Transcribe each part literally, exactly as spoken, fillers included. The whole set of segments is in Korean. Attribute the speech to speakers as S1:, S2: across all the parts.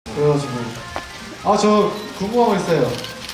S1: 그래가지고 아 저 궁금한 거 있어요.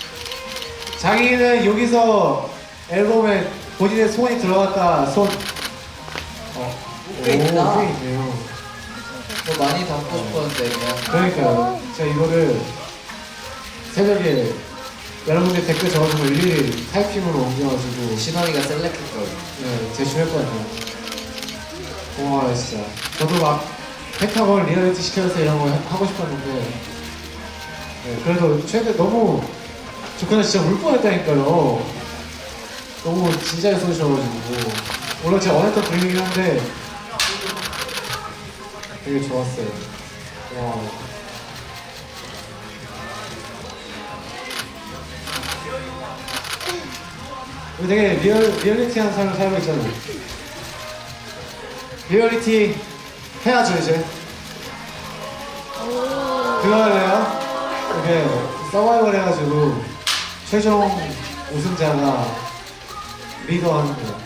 S1: 자기는 여기서 앨범에 본인의 손이 들어갔다 손 어.
S2: 꽤 있다.
S1: 오, 꽤 있네요.
S2: 뭐 많이 담고 싶었는데 그냥.
S1: 그러니까요. 제가 이거를 새벽에 여러분들 댓글 적어주고 일일이 타이핑으로 옮겨가지고
S2: 신원이가 셀렉했거든.
S1: 네, 제출할 것 같아요. 고마워요 진짜. 저도 막 펜타곤 리얼리티 시켜서 이런 거 하고 싶었는데 네, 그래도 최근에 너무 저 그날 진짜 울 뻔했다니까요. 너무 진지하게 써주셔가지고 물론 제가 원했던 분위기긴 한데 되게 좋았어요. 와. 우리 되게 리얼, 리얼리티한 삶을 살고 있잖아요. 리얼리티 해야죠 이제. 그거 할래요? 이게 서바이벌 해가지고 최종 우승자가 리더 하는 거야.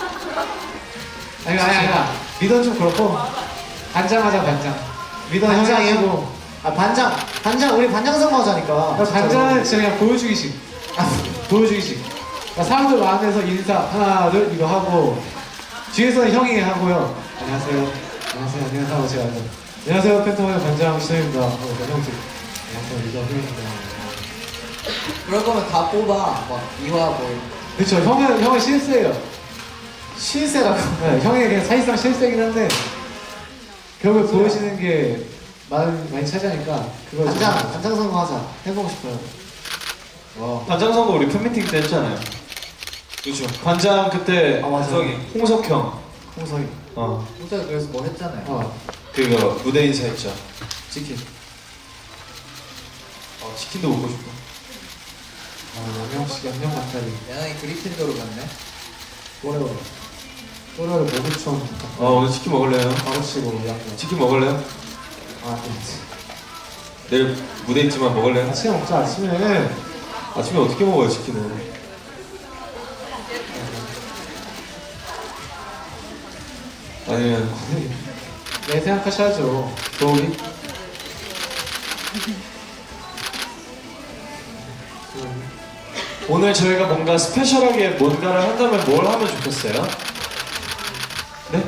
S1: 아니 아니 아니 리더는 좀 그렇고 반장하자 반장. 리더
S3: 반장이요?
S1: 해가지고
S3: 아 반장 반장 우리 반장 선거 하자니까.
S1: 반장은 진짜 그냥 보여주기식. 아, 보여주기식. 그러니까 사람들 많은데서 인사 하나 둘 이거 하고 뒤에서는 형이 하고요. 안녕하세요. 안녕하세요. 안녕하세요. 하고 제가 하죠. 안녕하세요. 팬텀의 반장 신현입니다. 하고 형들 안녕하세요. 리더 형입니다.
S2: 그럴 거면 다 뽑아. 막 이화 뭐.
S1: 그쵸. 형은 형은 실세예요.
S3: 실세라고.
S1: 네, 형이 그냥 사실상 실세긴 한데 결국에 보여지는 게 많이 많이 차지하니까 그걸 좀-
S3: 반장 반장 선거 하자. 해보고 싶어요.
S1: 와.
S4: 반장 선거 우리 팬미팅 때 했잖아요. 그렇죠. 반장 그때
S1: 아, 맞아요.
S4: 저기 홍석형
S1: 홍석이.
S4: 어
S2: 호자가 그래서 뭐 했잖아요.
S1: 어.
S4: 그거 무대 인사했죠.
S1: 치킨.
S4: 어, 치킨도 먹고 싶어.
S1: 아, 양념식 양념 닭다리.
S2: 야나이 그리핀도로 갔네.
S1: 또래로. 또래로 매부촌.
S4: 어 오늘 치킨 먹을래요?
S1: 가로치고 양념.
S4: 치킨 먹을래요?
S1: 아, 네.
S4: 내일 무대 있지만 먹을래요?
S1: 아침에 먹자 아침에.
S4: 아침에 어떻게 먹어요 치킨을? 아니면
S1: 네 생각하셔야죠.
S4: 도우리? 오늘 저희가 뭔가 스페셜하게 뭔가를 한다면 뭘 하면 좋겠어요? 네?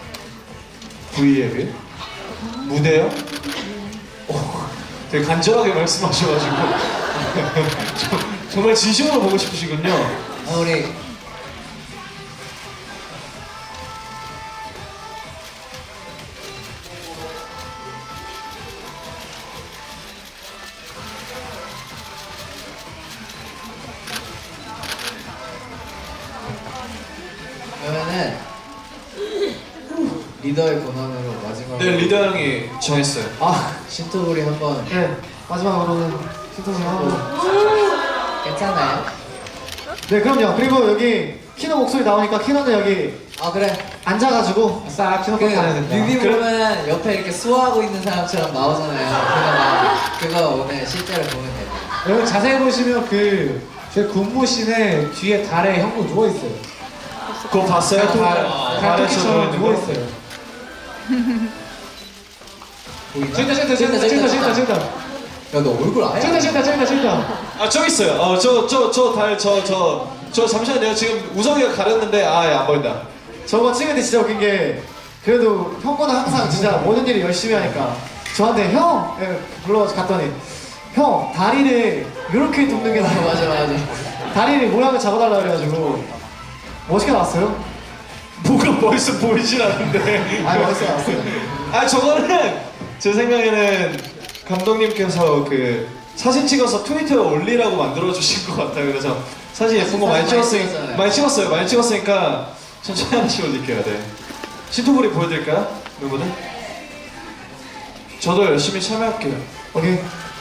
S4: V앱이? 무대요? 오, 되게 간절하게 말씀하셔가지고 저- 정말 진심으로 보고 싶으시군요.
S2: 아 우리 그러면은 리더의 권한으로 마지막으로
S4: 네 리더 형이 정했어요.
S2: 아 신토부리 한번
S1: 네 마지막으로는 신통을 하고.
S2: 괜찮아요?
S3: 네 그럼요. 그리고 여기 키노 목소리 나오니까 키노는 여기
S2: 아 그래.
S3: 앉아가지고
S1: 싹
S2: 그
S1: 키노까지 가야 된다.
S2: 뮤비 보면 옆에 이렇게 수화하고 있는 사람처럼 나오잖아요. 그거 막 그거 오늘 실제로 보면 돼요.
S1: 여러분 자세히 보시면 그 제 군무신에 뒤에 달에 형도 누워 있어요.
S4: 그거 봤어요? 또?
S1: 달
S4: 아,
S1: 달토끼처럼
S4: 달에서
S1: 누워
S4: 거?
S1: 있어요.
S2: 보이나?
S1: 찍다 찍다 찍다 찍다 찍다 찍다
S2: 야너 얼굴 아예
S1: 찍다 찍다 찍다 찍다.
S4: 아 저기 있어요. 어 저 저 저 달 저 저 저 잠시만요. 지금 우성이가 가렸는데 아안 보인다.
S3: 저거 찍을 때 진짜 웃긴 게 그래도 형 거는 항상 진짜 모든 일을 열심히 하니까 저한테 형 예, 불러갔더니 형 다리를 이렇게 돕는 게
S2: 아,
S3: 나아요.
S2: 맞아 맞아.
S3: 다리를 모양을 잡아달라 그래가지고 멋있게 나왔어요?
S4: 뭐가 멋있어 보이진 않는데.
S3: 아 멋있게 나왔어요.
S4: 아 저거는 제 생각에는 감독님께서 그 사진 찍어서 트위터에 올리라고 만들어 주신 것 같아요. 그래서 사진 예쁜 거 많이
S2: 사진 많이
S4: 찍었으니
S2: 찍었잖아요.
S4: 많이 찍었어요. 많이 찍었으니까 천천히 하나씩 올릴게요. 네. 신토부리 보여드릴까요, 멤버들? 저도 열심히 참여할게요.
S3: 오케이.